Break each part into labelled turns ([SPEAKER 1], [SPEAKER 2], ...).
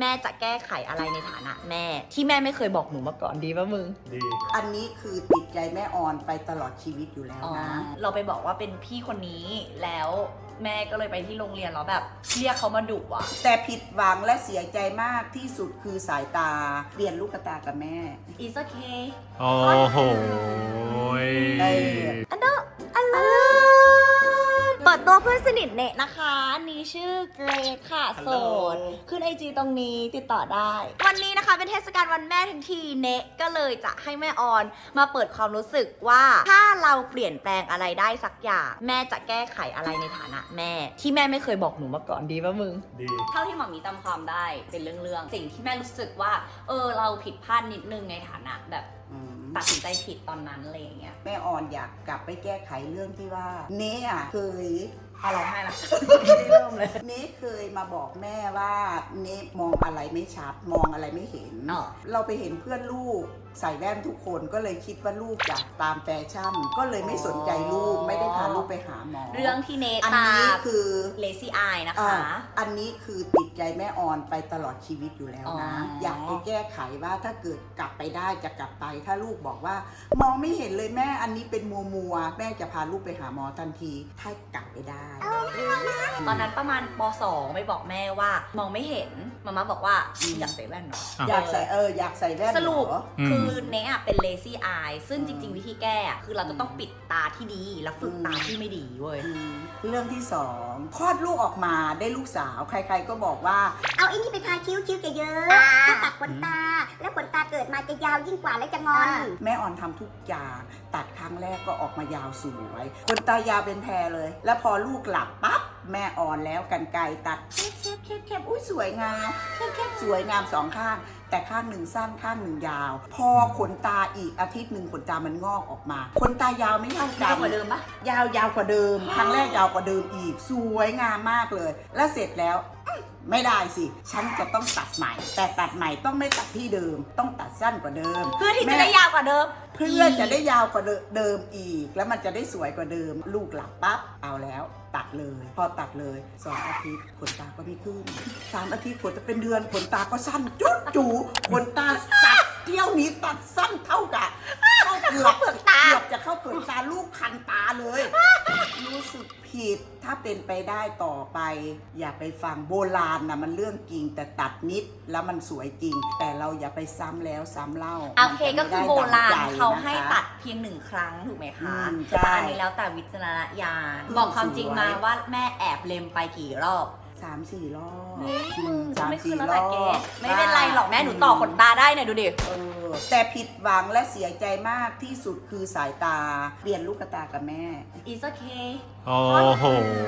[SPEAKER 1] แม่จะแก้ไขอะไรในฐานะแม่ที่แม่ไม่เคยบอกหนูมาก่อนดีป่ะมึง
[SPEAKER 2] ดี
[SPEAKER 3] อันนี้คือติดใจแม่ออนไปตลอดชีวิตอยู่แล้วนะ
[SPEAKER 1] เราไปบอกว่าเป็นพี่คนนี้แล้วแม่ก็เลยไปที่โรงเรียนแล้วแบบเรียกเขามาดุอ่ะ
[SPEAKER 3] แต่ผิดหวังและเสียใจมากที่สุดคือสายตาเปลี่ยนลูกตากับแม่
[SPEAKER 1] It's okay
[SPEAKER 2] โอ้โห
[SPEAKER 1] เปิดตัวเพื่อนสนิทเนะนะคะนี่ชื่อเกรกค่ะโสดขึ้น IG ตรงนี้ติดต่อได้ วันนี้นะคะเป็นเทศกาลวันแม่ทั้งทีเนะก็เลยจะให้แม่ออนมาเปิดความรู้สึกว่าถ้าเราเปลี่ยนแปลงอะไรได้สักอย่างแม่จะแก้ไขอะไรในฐานะแม่ที่แม่ไม่เคยบอกหนูมาก่อนดีป่ะมึง
[SPEAKER 2] ดี
[SPEAKER 1] เท่าที่หมอมีจำความได้เป็นเรื่องสิ่งที่แม่รู้สึกว่าเราผิดพลาดนิดนึงในฐานะแบบตัดสินใจผิดตอนนั้นอะไรอย่างเงี้ย
[SPEAKER 3] แม่ออนอยากกลับไปแก้ไขเรื่องที่ว่าเนะอ่ะเคย
[SPEAKER 1] ร้องไห้ละไม่ได้เริ่มเลย
[SPEAKER 3] เนะเคยมาบอกแม่ว่าเนะมองอะไรไม่ชัดมองอะไรไม่เห็นเราไปเห็นเพื่อนลูกใส่แว่นทุกคนก็เลยคิดว่าลูกอยากตามแฟชั่นก็เลยไม่สนใจลูกไม่ได้พาลูกไปหาหมอ
[SPEAKER 1] เรื่องที่เนต
[SPEAKER 3] อันนี้คือ
[SPEAKER 1] lazy eye นะคะ
[SPEAKER 3] อันนี้คือติดใจแม่ออนไปตลอดชีวิตอยู่แล้วนะอยากไปแก้ไขว่าถ้าเกิดกลับไปได้จะกลับไปถ้าลูกบอกว่ามองไม่เห็นเลยแม่อันนี้เป็นมัวแม่จะพาลูกไปหาหมอทันทีถ้ากลับไปได้
[SPEAKER 1] ตอนนั้นประมาณป .2 ไปบอกแม่ว่ามองไม่เห็นมาม่าบอกว่าอยากใส่แว่นเนาะ
[SPEAKER 3] อยากใส่อยากใส่แว่น
[SPEAKER 1] สรุปคือเนะเป็น lazy eye ซึ่งจริงๆวิธีแก้คือเราจะต้องปิดตาที่ดีแล้วฝึกตาที่ไม่ดีเว้ย
[SPEAKER 3] เรื่องที่2คลอดลูกออกมาได้ลูกสาวใครๆก็บอกว่า
[SPEAKER 4] เอาไอ้นี่ไปทาคิ้วจะเยอะถ้าตัดขนตาแล้วขนตาเกิดมาจะยาวยิ่งกว่าและจะงอน
[SPEAKER 3] แม่ออนทำทุกอย่างตัดครั้งแรกก็ออกมายาวสวยขนตายาวเป็นแพรเลยแล้วพอลูกหลับปั๊บแม่อ่อนแล้วกันไกรตัดแคบอุ้ยสวยงามแคบสวยงาม2ข้างแต่ข้างหนึ่งสั้นข้างหนึ่งยาวพอขนตาอีกอาทิตย์หนึ่งขนตามันงอกออกมาขนตายาวไม่เท่ากัน
[SPEAKER 1] ยาวกว่าเดิมปะ
[SPEAKER 3] ยาวกว่าเดิมครั้งแรกยาวกว่าเดิมอีกสวยงามมากเลยแล้วเสร็จแล้วไม่ได้สิฉันจะต้องตัดใหม่แต่ตัดใหม่ต้องไม่ตัดที่เดิมต้องตัดสั้นกว่าเดิม
[SPEAKER 1] เพื่อที่จะได้ยาวกว่าเดิม
[SPEAKER 3] เพื่อจะได้ยาวกว่าเดิมอีกแล้วมันจะได้สวยกว่าเดิมลูกหลับปั๊บเอาแล้วตัดเลยพอตัดเลย2 อาทิตย์ขนตาก็ไม่ขึ้น3 อาทิตย์ขนจะเป็นเดือนขนตาก็สั้นจุ๊จูขนตาตัดเที่ยวนี้ตัดสั้นเท่ากับเกือบจะเข้าเปลือกตาลูกคันตาเลยรู้สึกผิดถ้าเป็นไปได้ต่อไปอย่าไปฟังโบราณนะมันเรื่องจริงแต่ตัดนิดแล้วมันสวยจริงแต่เราอย่าไปซ้ำแล้วซ้ำเล่า
[SPEAKER 1] โอเคก็คือโบราณเขาให้ตัดเพียง1 ครั้งถูกไหมคะแต่อันนี้แล้วแต่วิจารณญาณบอกความจริงมาว่าแม่แอบเล็มไปกี่รอบ
[SPEAKER 3] 3-4 รอบ
[SPEAKER 1] ไม่คือแล้วแต่เกสไม่เป็นไรหรอกแม่หนูต่อขนตาได้เนี่ยดูดิ
[SPEAKER 3] แต่ผิดหวังและเสียใจมากที่สุดคือสายตาเปลี่ยนลูกตากับแม่
[SPEAKER 1] It's okay
[SPEAKER 2] โอ้โห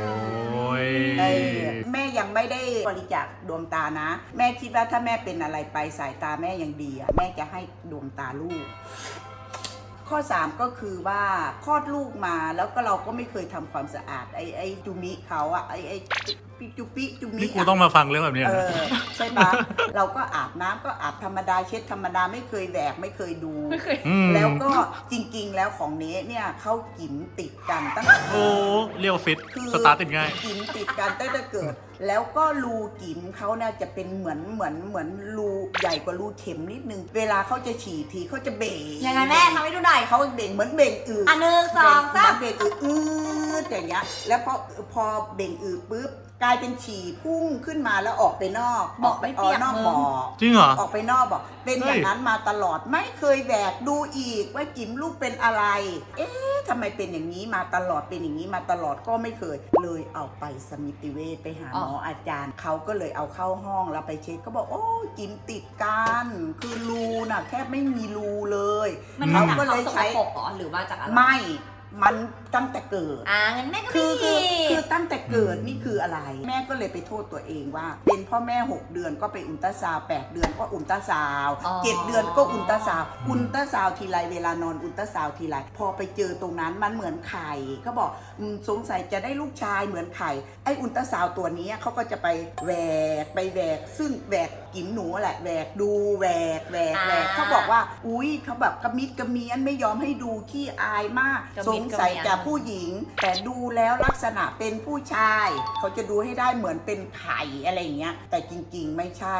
[SPEAKER 3] แม่ยังไม่ได้บริจาคดวงตานะแม่คิดว่าถ้าแม่เป็นอะไรไปสายตาแม่ยังดีแม่จะให้ดวงตาลูกข้อ3ก็คือว่าคลอดลูกมาแล้วก็เราก็ไม่เคยทำความสะอาดไอ้จุมิเขาอะไอ้จุปิ
[SPEAKER 2] นี่กูต้องมาฟังเรื่องแบบนี้
[SPEAKER 3] ใช่ปะเราก็อาบน้ำก็อาบธรรมดาเช็ดธรรมดาไม่เคยแหวกไม่เคยดูแล้วก็จริงๆแล้วของเนสเนี่ยเขากินติดกันตั้งแต่
[SPEAKER 2] โอ้เรียวฟิตสตาร์ทติดง่าย
[SPEAKER 3] กินติดกันตั้งแต่เกิดแล้วก็รูกินเขาเนี่ยจะเป็นเหมือนรูใหญ่กว่ารูเข็มนิดนึงเวลาเขาจะฉี่ทีเขาจะเบ่ง
[SPEAKER 1] ยังไงแม่ทำให้ดูหน่อย
[SPEAKER 3] เขาเบ่งเหมือนเบ่งอืด
[SPEAKER 1] 1 2 3
[SPEAKER 3] เบ่งอืดอย่างเงี้ยแล้วพอเบ่งอืดปุ๊บกลายเป็นฉี่พุ่งขึ้นมาแล้วออกไปนอก
[SPEAKER 1] บอกไป
[SPEAKER 3] นอกบ่อ
[SPEAKER 2] จริงเหรอ
[SPEAKER 3] ออกไปนอกบ่อเป็นอย่างนั้นมาตลอดไม่เคยแหวกดูอีกว่าจิ๋มลูกเป็นอะไรทำไมเป็นอย่างนี้มาตลอดเป็นอย่างนี้มาตลอดก็ไม่เคยเลยเอาไปสมิติเวชไปหาหมออาจารย์เขาก็เลยเอาเข้าห้องแล้วไปเช็คก็บอกโอ้จิ๋มติดกันคือรูน่ะแทบไม่มีรูเลย
[SPEAKER 1] เขาก็เลยใช้หรือว่าจากอะไร
[SPEAKER 3] ไม่มันตั้งแต่เกิด
[SPEAKER 1] งั้นแม่ก็ไม่ผิด
[SPEAKER 3] คือตั้งแต่เกิดนี่คืออะไรแม่ก็เลยไปโทษตัวเองว่าเป็นพ่อแม่6 เดือนก็ไปอุลตราซาวด์8 เดือนก็อุลตราซาวด์7 เดือนก็อุลตราซาวด์ทีไรเวลานอนอุลตราซาวด์ทีไรพอไปเจอตรงนั้นมันเหมือนไข่เขาบอกสงสัยจะได้ลูกชายเหมือนไข่ไออุลตราซาวด์ตัวนี้เขาก็จะไปแหวกซึ่งแหวกกิ๋มหนูแหละแหวกดูแหวกเขาบอกว่าอุ้ยเขาแบบกระมิดกระเมียนไม่ยอมให้ดูขี้อายมากสงสัยจะผู้หญิงแต่ดูแล้วลักษณะเป็นผู้ชายเขาจะดูให้ได้เหมือนเป็นไข่อะไรเงี้ยแต่จริงๆไม่ใช่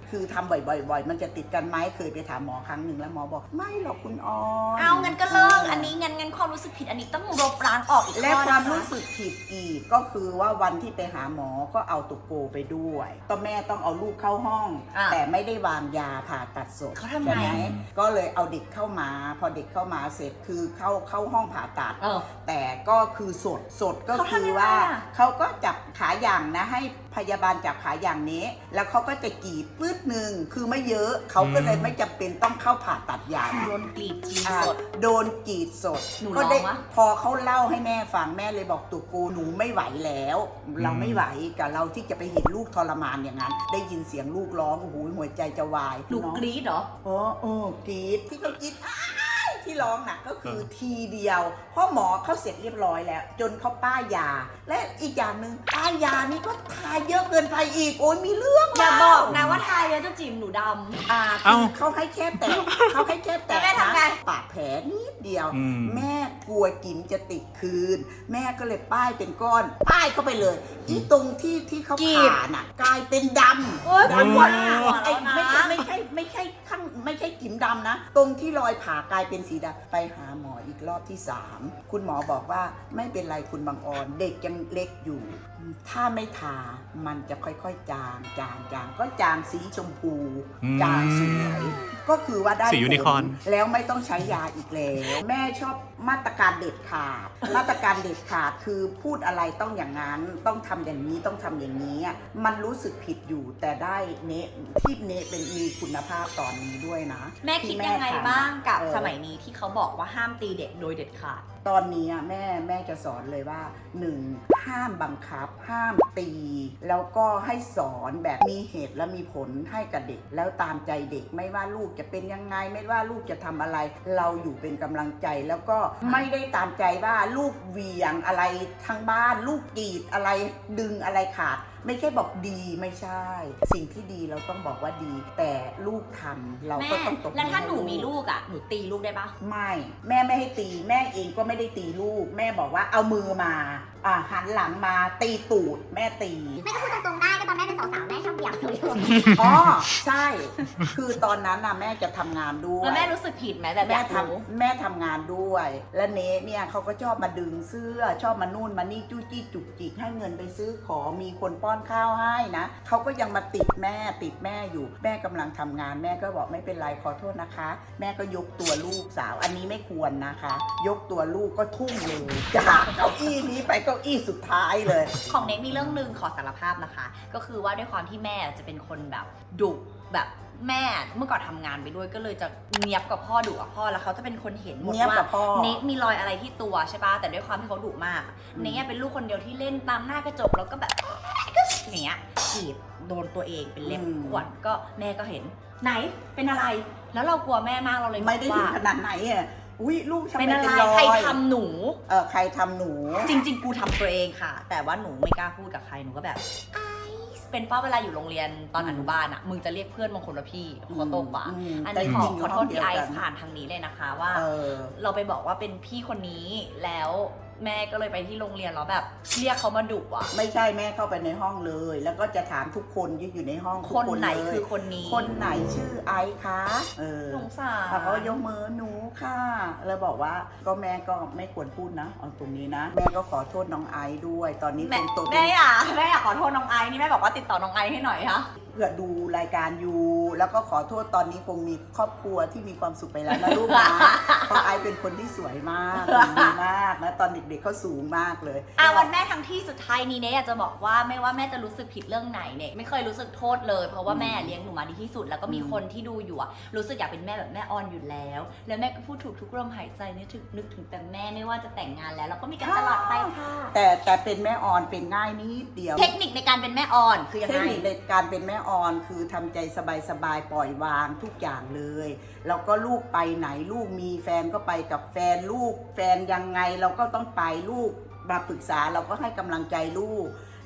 [SPEAKER 3] คือทำบ่อยๆ มันจะติดกันไหมเคยไปถามหมอครั้งหนึ่งแล้วหมอบอกไม่หรอกคุณออน
[SPEAKER 1] เอางั้นก็เลิกอันนี้งั้นความรู้สึกผิดอันนี้ต้องลบล้างออกอีก
[SPEAKER 3] และ
[SPEAKER 1] ข้อ
[SPEAKER 3] ความ
[SPEAKER 1] นะคะ
[SPEAKER 3] รู้สึกผิดอีกก็คือว่าวันที่ไปหาหมอก็เอาตุกโกไปด้วยตอนแม่ต้องเอาลูกเข้าห้อง แต่ไม่ได้วางยาผ่าตัดสด
[SPEAKER 1] เขาทำไง
[SPEAKER 3] ใช่ไหมก็เลยเอาเด็กเข้ามา พอเด็กเข้ามาเสร็จคือเข้าห้องผ่าตัด แต่ก็คือสดก็คือว่าเขาก็จับขาอย่างนะให้พยาบาลจับขาอย่างนี้ แล้วเขาก็จะกรีดปื้ดหนึ่งคือไม่เยอะเขาก็เลยไม่จำเป็นต้องเข้าผ่าตัดใหญ่
[SPEAKER 1] โดนกรีดจีน
[SPEAKER 3] อ่า
[SPEAKER 1] สด
[SPEAKER 3] โดนกรีดสด
[SPEAKER 1] หนู
[SPEAKER 3] ก็ได้
[SPEAKER 1] ร้องวะ
[SPEAKER 3] พอเขาเล่าให้แม่ฟังแม่เลยบอกตัวกูหนูไม่ไหวแล้ว เราไม่ไหวกับเราที่จะไปเห็นลูกทรมานอย่างนั้น ได้ยินเสียงลูกร้องโอ้โหหัวใจจะวาย
[SPEAKER 1] หนู
[SPEAKER 3] เนาะ
[SPEAKER 1] กรีดเหรอ
[SPEAKER 3] กรีดที่เขากรีดที่ร้องน่ะก็คือทีเดียวเพราะหมอเขาเสร็จเรียบร้อยแล้ว จนเขาป้ายยา และอีกอย่างหนึ่งป้ายยานี่ก็ทาเยอะเกินไปอีกโอ้ยมีเรื่อง
[SPEAKER 1] อย่า
[SPEAKER 3] แล้ว
[SPEAKER 1] บอกนะว่าทายเยอะจะจีบหนูด
[SPEAKER 3] คือเขาให้แค่แตะเขาให้แค่แตะ
[SPEAKER 1] แล้วแม่ทำไง
[SPEAKER 3] นะปากแผลนิดเดียว
[SPEAKER 2] อืม
[SPEAKER 3] แม่กลัวกินจะติดคืน แม่ก็เลยป้ายเป็นก้อนป้ายเข้าไปเลยอีตรงที่เขาผ่าน่ะกลายเป็นดำ
[SPEAKER 1] โอ๊ย
[SPEAKER 3] ดำว่า
[SPEAKER 1] ปวดหัว
[SPEAKER 3] ไอ้
[SPEAKER 1] แล้วนะ
[SPEAKER 3] ไม่ใช่ข้างไม่ใช่กิ่มดำนะ ตรงที่รอยผ่ากลายเป็นสีดำไปหาหมออีกรอบที่ 3 คุณหมอบอกว่าไม่เป็นไรคุณบางออนเด็กยังเล็กอยู่ ถ้าไม่ทามันจะค่อยๆจางก็จางสีชมพู จางสวยก็คือว่าได้
[SPEAKER 2] สียูนิคอร์น
[SPEAKER 3] ผลแล้วไม่ต้องใช้ยาอีกแล้ว แม่ชอบมาตรการเด็ดขาด มาตรการเด็ดขาดคือพูดอะไรต้องอย่างนั้นต้องทำอย่างนี้ต้องทำอย่างนี้อะมันรู้สึกผิดอยู่แต่ได้เนะที่เนะเป็นมีคุณภาพตอนนี้ด้วยนะ
[SPEAKER 1] ำแม่คิด
[SPEAKER 3] ที่
[SPEAKER 1] ยังไง
[SPEAKER 3] ทำ
[SPEAKER 1] บ้างกับ
[SPEAKER 3] เออ
[SPEAKER 1] สมัยนี้ที่เขาบอกว่าห้ามตีเด็กโดยเด็ดขาด
[SPEAKER 3] ตอนนี้อะแม่จะสอนเลยว่า 1. ห้ามบังคับ ห้ามตี แล้วก็ให้สอนแบบมีเหตุและมีผลให้กับเด็ก แล้วตามใจเด็กไม่ว่าลูกจะเป็นยังไง ไม่ว่าลูกจะทำอะไร เราอยู่เป็นกำลังใจแล้วก็ไม่ได้ตามใจว่าลูกเหวี่ยงอะไรทั้งบ้าน ลูกกรีดอะไรดึงอะไรขาด ไม่ใช่บอกดีไม่ใช่ สิ่งที่ดีเราต้องบอกว่าดี แต่ลูกทำเรา
[SPEAKER 1] แม่
[SPEAKER 3] ก็ต้องตบมือ
[SPEAKER 1] แล้วถ้าหนู
[SPEAKER 3] ให้
[SPEAKER 1] มีลูกอ่ะหนูตีลูกได้ปะ
[SPEAKER 3] ไม่แม่ไม่ให้ตีแม่เองก็ไม่ได้ตีลูก แม่บอกว่าเอามือมาหันหลังมาตีตูดแม่ตี
[SPEAKER 4] แม่ก็พูดตรงๆได้ก็ตอนแม่เป็นสาวๆแม่ชอบเบี่ยงหนูอยู่
[SPEAKER 3] อ๋อใช่ คือตอนนั้นน่ะแม่จะทำงานด้วย
[SPEAKER 1] แล้วแม่รู้สึกผิดไหมแบบอ
[SPEAKER 3] แม่
[SPEAKER 1] ยากรู้
[SPEAKER 3] แม่ทำงานด้วย และเนเนี่ยเขาก็ชอบมาดึงเสื้อ ชอบมานู่นมานี่จู้จี้จุกจิกให้เงินไปซื้อของมีคนป้อนข้าวให้นะเขาก็ยังมาติดแม่อยู่แม่กำลังทำงานแม่ก็บอกไม่เป็นไรขอโทษนะคะ แม่ก็ยกตัวลูกสาวอันนี้ไม่ควรนะคะ ยกตัวลูกก็ทุ่มเลยจากเก้าอี้นี้ไปเก้าอี้สุดท้ายเลย
[SPEAKER 1] ของเน็กมีเรื่องหนึ่งขอสารภาพนะคะ ก็คือว่าด้วยความที่แม่จะเป็นคนแบบดุแบบแม่เมื่อก่อนทำงานไปด้วยก็เลยจะเนียบกับพ่อดุกับพ่อแล้วเขาจะเป็นคนเห็นหมด
[SPEAKER 3] เนี๊ยบ
[SPEAKER 1] ว่า
[SPEAKER 3] กับพ่อ
[SPEAKER 1] เน็กมีรอยอะไรที่ตัวใช่ปะแต่ด้วยความที่เขาดุมากเน็กเป็นลูกคนเดียวที่เล่นตามหน้ากระจกแล้วก็แบบก็อย่างเงี้ยกรีดโดนตัวเองเป็นเล็บข่วนก็แม่ก็เห็นไหนเป็นอะไร แล้วเรากลัวแม่มากเราเลย
[SPEAKER 3] ไม่ได้ถึง
[SPEAKER 1] ว่า
[SPEAKER 3] ขนาดไหนอ่ะอุ้ยลูกทำไม
[SPEAKER 1] เป็นอะไร
[SPEAKER 3] เป็นรอย
[SPEAKER 1] ใครทำหนู
[SPEAKER 3] ใครทำหนู
[SPEAKER 1] จริงๆ กูทำตัวเองค่ะ แต่ว่าหนูไม่กล้าพูดกับใคร หนูก็แบบไอซ์เป็นป้าเวลาอยู่โรงเรียนตอนอนุบาลอ่ะ มึงจะเรียกเพื่อนบางคนว่าพี่เขาโตกว่า อันนี้ขอโทษพี่ไอซ์ผ่านทางนี้เลยนะคะว่า เราไปบอกว่าเป็นพี่คนนี้แล้วแม่ก็เลยไปที่โรงเรียนแล้วแบบเรียกเขามาดุอ่ะ
[SPEAKER 3] ไม่ใช่แม่เข้าไปในห้องเลย แล้วก็จะถามทุกคนที่อยู่ในห้องทุก
[SPEAKER 1] คนไหน
[SPEAKER 3] เลย
[SPEAKER 1] คือคนนี้
[SPEAKER 3] คนไหนชื่อไอซ์คะ
[SPEAKER 1] สงสาร
[SPEAKER 3] เขาก็ยกมือหนูค่ะ แล้วบอกว่าก็แม่ก็ไม่ควรพูดนะเอาตรงนี้นะ แม่ก็ขอโทษน้องไอซ์ด้วย ตอนนี้
[SPEAKER 1] แม่
[SPEAKER 3] คนโต
[SPEAKER 1] แม่อยากขอโทษน้องไอซ์นี่แม่บอกว่าติดต่อน้องไอซ์ให้หน่อยค่ะ
[SPEAKER 3] เพื่อดูรายการอยู่ แล้วก็ขอโทษตอนนี้คงมีครอบครัวที่มีความสุขไปแล้วนะลูกนะ เพราะไอซ์เป็นคนที่สวยมากดีมากนะตอนเด็กๆเขาสูงมากเลย
[SPEAKER 1] วันแม่ทั้งที่สุดท้ายนี้เนี่ยอยากจะบอกว่าไม่ว่าแม่จะรู้สึกผิดเรื่องไหนเนี่ยไม่เคยรู้สึกโทษเลยเพราะว่าแม่เลี้ยงหนูมาดีที่สุดแล้วก็มีคนที่ดูอยู่อะรู้สึกอยากเป็นแม่แบบแม่ออนอยู่แล้ว แล้วแม่ก็พูดถูกทุกลมหายใจนึกถึงแต่แม่ไม่ว่าจะแต่งงานแล้วก็มีกันตลอดไปค่ะ
[SPEAKER 3] แต่เป็นแม่ออนเป็นง่ายนิดเดียว
[SPEAKER 1] เทคนิคในการเป็นแม่ออนคือยัง
[SPEAKER 3] เทค
[SPEAKER 1] ไง
[SPEAKER 3] นิคในการเป็นแม่ออนคือทำใจสบายๆปล่อยวางทุกอย่างเลยแล้วก็ลูกไปไหนลูกมีแฟนก็ไปกับแฟนลูกแฟนยังไงเราก็ต้องไปลูกมาปรึกษาเราก็ให้กำลังใจลูก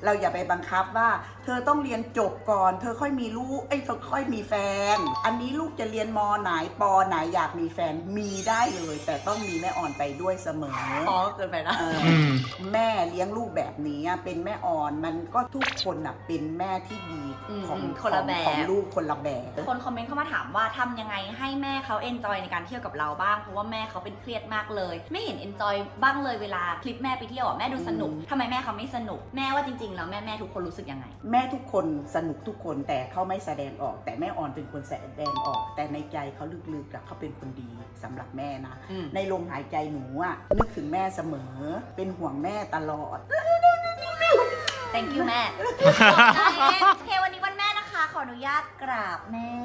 [SPEAKER 3] เราอย่าไปบังคับว่า เธอต้องเรียนจบก่อน เธอค่อยมีลูกเธอค่อยมีแฟน อันนี้ลูกจะเรียนมไหนปไหนอยากมีแฟนมีได้เลย แต่ต้องมีแม่อ่อนไปด้วยเสมอ
[SPEAKER 1] อ๋อเกินไปนะ
[SPEAKER 3] แม่เลี้ยงลูกแบบนี้เป็นแม่อ่อนมันก็ทุกคนเป็นแม่ที่ดีของ
[SPEAKER 1] คนละแบบ
[SPEAKER 3] ของลูกคนละแบบ
[SPEAKER 1] คนคอมเมนต์เข้ามาถามว่าทำยังไงให้แม่เขาเอนจอยในการเที่ยวกับเราบ้างเพราะว่าแม่เขาเป็นเครียดมากเลย ไม่เห็นเอนจอยบ้างเลยเวลาคลิปแม่ไปเที่ยวแม่ดูสนุกทำไมแม่เขาไม่สนุกแม่ว่าจริงๆแล้วแม่ทุกคนรู้สึกยังไง
[SPEAKER 3] แม่ทุกคนสนุกทุกคนแต่เขาไม่แสดงออก แต่แม่อ่อนเป็นคนแสดงออก แต่ในใจเขาลึกๆเขาเป็นคนดีสำหรับแม่นะ ในลมหายใจหนูนึกถึงแม่เสมอเป็นห่วงแม่ตลอด
[SPEAKER 1] thank you แม่ โอเควันนี้วันแม่นะคะขออนุญาตกราบแม่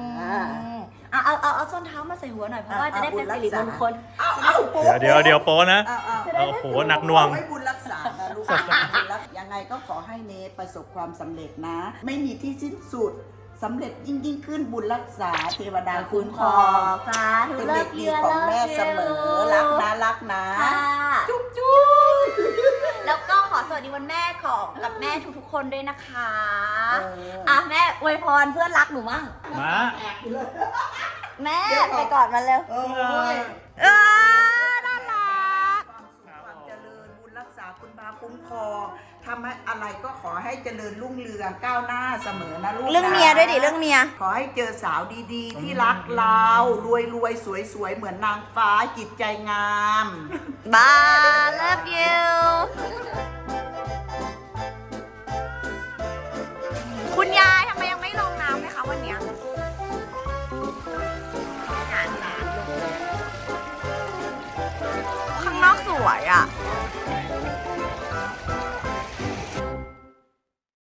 [SPEAKER 1] เอาส้นเท้ามาใส่หัวหน่อยเพราะว่าจะได้เป็นสิริมงคล
[SPEAKER 2] เดี๋ยวโป๊นะ โอ้โหหนักหน่วง
[SPEAKER 3] ให้บุญรักษานะลูกยังไงก็ขอให้เนประสบความสำเร็จนะ ไม่มีที่สิ้นสุดสำเร็จยิ่งขึ้นบุญรักษาเทวดาคุ้มครอง
[SPEAKER 1] สาธุ
[SPEAKER 3] เป็นเด็กดีของแม่เสมอรักนะ
[SPEAKER 1] ค่ะ
[SPEAKER 3] จุ๊บ
[SPEAKER 1] แล้วก็ขอสวัสดีวันแม่ของกับแม่ทุกๆคนด้วยนะคะแม่อวยพรเพื่อนรักหนูมั่ง
[SPEAKER 2] มา
[SPEAKER 1] แม่ไปกอดมันเร็ว น่ารัก
[SPEAKER 3] ความเจริญบุญรักษาคุณพาคุ้มครองทำให้อะไรก็ขอให้เจริญรุ่งเรืองก้าวหน้าเสมอนะลูกนะ
[SPEAKER 1] เรื่องเมียด้วยดิเรื่องเมีย
[SPEAKER 3] ขอให้เจอสาวดีๆ ที่รักเรารวยสวยๆเหมือนนางฟ้าจิตใจงาม
[SPEAKER 1] Bye love you